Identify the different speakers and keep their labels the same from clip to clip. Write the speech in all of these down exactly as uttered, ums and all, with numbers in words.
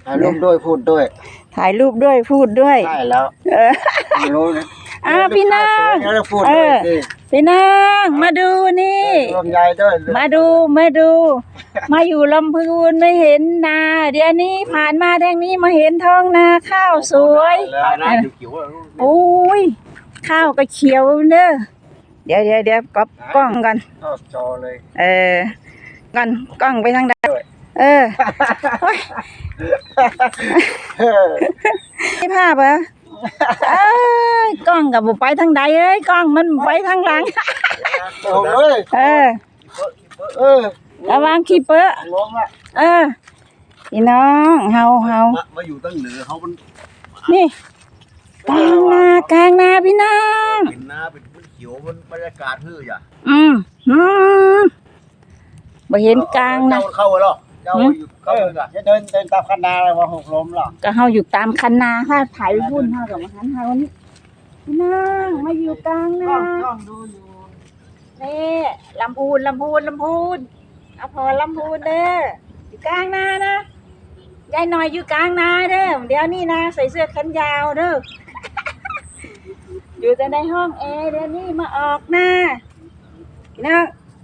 Speaker 1: ถ่ายรูปด้วยพูดด้วย
Speaker 2: ถ่ายรูปด้วยพูดด้วย
Speaker 1: ใช่แล้วเออรู้นะ
Speaker 2: อ่าพี่นาง
Speaker 1: เออ
Speaker 2: พี่นางมาดูนี่
Speaker 1: ลำไยด้วย
Speaker 2: มาดูมาดูมาอยู่ลำพูนไม่เห็นนาเดี๋ยวนี้ผ่านมาแดงนี้มาเห็นท้องนาข้าวสวยโอ้ยข้าวก็เขียวเด้อเดี๋ยวเดี๋ยวเดี๋ยวก๊อปกล้องกัน
Speaker 1: จอเลย
Speaker 2: เออกันกล้องไปทางใดเออไม่ภาพเหรอเอ้ยกล้องกับบุไปทางใดเอ้ยกล้องมันไปทางหลังเออ
Speaker 1: เออ
Speaker 2: ระวังขี้เปอะเออพี่น้องเฮาเฮา
Speaker 1: มาอยู่ตั้งเหนือเขามัน
Speaker 2: นี่กลางนากลางนาพี่น้อง
Speaker 1: เป็นนาเป็นพื้นเขียวมันบรรยากาศฮืออย่า
Speaker 2: อืมอืมบ่เห็นกลางนะ
Speaker 1: เข้าหรอเจ้าอยู่เข้าจะเดินเดินตามคันนาอะไรวะหกล้มหรอ
Speaker 2: ก็เฮาอยู่ตามคันนาถ้าถ่ายรุ่นเฮากับมาหันเฮานี่พี่น้องมาอยู่กลางนา
Speaker 1: ต้องดูอยู่
Speaker 2: นี่ลำพูนลำพูนลำพูนเอาพอลำพูนเด้ออยู่กลางนานะยายหน่อยอยู่กลางนาเด้อเดี๋ยวนี้นะใส่เสื้อแขนยาวเด้ออยู่แต่ในห้องแอร์เดี๋ยวนี้มาออกหน้านะ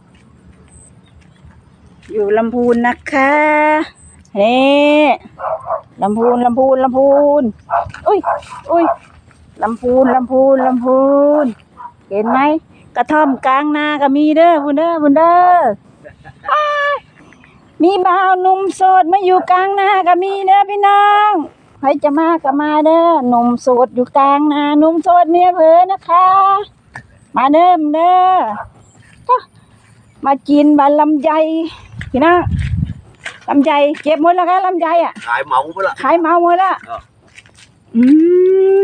Speaker 2: อยู่ลำพูนนะคะเฮ้ลำพูนลำพูนลำพูนอุ้ยอุ้ยลำพูนลำพูนลำพูนเห็นไหมกระท่อมกลางนาก็มีเด้อบุญเด้อบุญเด้อมีบ่าวหนุ่มโสดมาอยู่กลางนาก็มีเด้อพี่น้องใครจะมาก็มาเด้อหนุ่มโสดอยู่กลางนาหนุ่มโสดเมียเผลอนะคะมาเด้อเด้อมากินบานลำไยพี่น้องลำไยเก็บหมดแล้วกันลำไยอ่ะ
Speaker 1: ขายเมาหมดละ
Speaker 2: ขายเมาหมดละอืม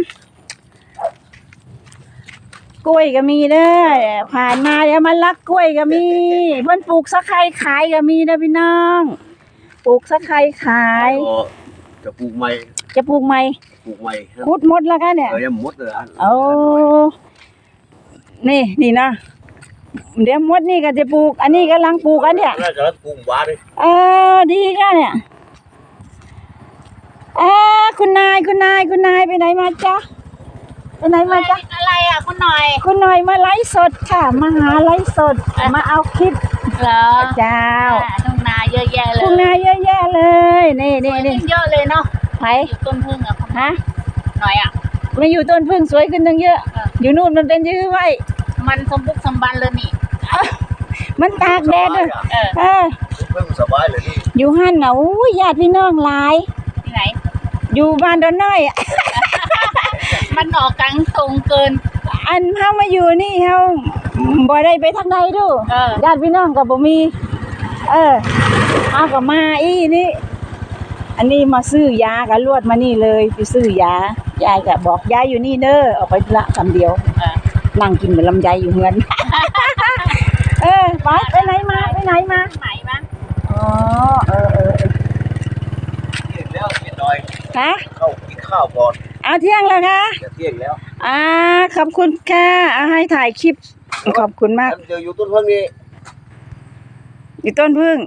Speaker 2: กล้วยก็มีเด้อผ่านมาเดี๋ยวมาลักกล้วยก็มีเพิ่นปลูกสะไคร้ขายก็มีนะพี่น้องปลูกสะไคร้ขาย
Speaker 1: จะปลูกใหม่
Speaker 2: จะปลูกใหม่
Speaker 1: ปลูกใหม่
Speaker 2: ขุดหมดแล้วกันเนี่ย
Speaker 1: เออยังหมดเลย
Speaker 2: โอ้นี่นี่นะเดี๋ยวมดนี่ก็จะปลูกอันนี้กำลังปลูกอันเนี้ย
Speaker 1: น่าจะปลูกหวานเลย
Speaker 2: เออดีกันเนี่ยเออคุณนายคุณนายคุณนายไปไหนมาจ๊ะไปไหนมาจ๊ะ
Speaker 3: อะไรอ่ะคุณหน่อย
Speaker 2: คุณหน่อยมาไลฟ์สดค่ะมาหาไลฟ์สดมาเอาคลิป
Speaker 3: เหรอ
Speaker 2: เจ้า
Speaker 3: ทุ่งนาเยอะแยะเลย
Speaker 2: ทุ่งนาเยอะแยะเลยนี่นี่นี่
Speaker 3: เยอะเลยเนาะ
Speaker 2: ไป
Speaker 3: ต้นพึ่งอ่ะ
Speaker 2: ฮะ
Speaker 3: หน่อยอ่ะ
Speaker 2: มาอยู่ต้นพึ่งสวยขึ้นตั้งเยอะอยู่นู่นมันเป็นยื้อไว้
Speaker 3: มันสมบุกสมบันเลยนี่
Speaker 2: มันตากแดดเลยเออ
Speaker 1: เพิ่งสบายเลยนี่
Speaker 2: อยู่หันน่ะอู้ญาติพี่น้องหลาย
Speaker 3: ที่ไหน
Speaker 2: อยู่บ้านดอนน้อย
Speaker 3: มันออกกลางตรงเกิน
Speaker 2: อันเฮามาอยู่นี่เฮาบ่ได้ไปทางใดดูญาติพี่น้องก็บ่มีเออเฮาก็มาอีนี่อันนี้มาซื้อยาก็ลวดมานี่เลยไปซื้อยายายก็บอกยายอยู่นี่เด้อออกไปละคำเดียวนั่งกินกับลำไยอยู่เฮือนเออไปไปไหนมาไปไหนมา
Speaker 3: ไหนมา
Speaker 2: อ๋อเออเออ
Speaker 1: เที่ยงแล้วเที่ยงหน่อย
Speaker 2: ฮะ
Speaker 1: เข้ากินข้าวก่อน
Speaker 2: เอาเที่ยงแล้วคะ
Speaker 1: เที่ยงแล้ว
Speaker 2: อ่าขอบคุณค่ะเอาให้ถ่ายคลิปขอบคุณมาก
Speaker 1: เดี๋ยวอยู่ต้นพึ่งนี่
Speaker 2: อยู่ต้นพึ่ง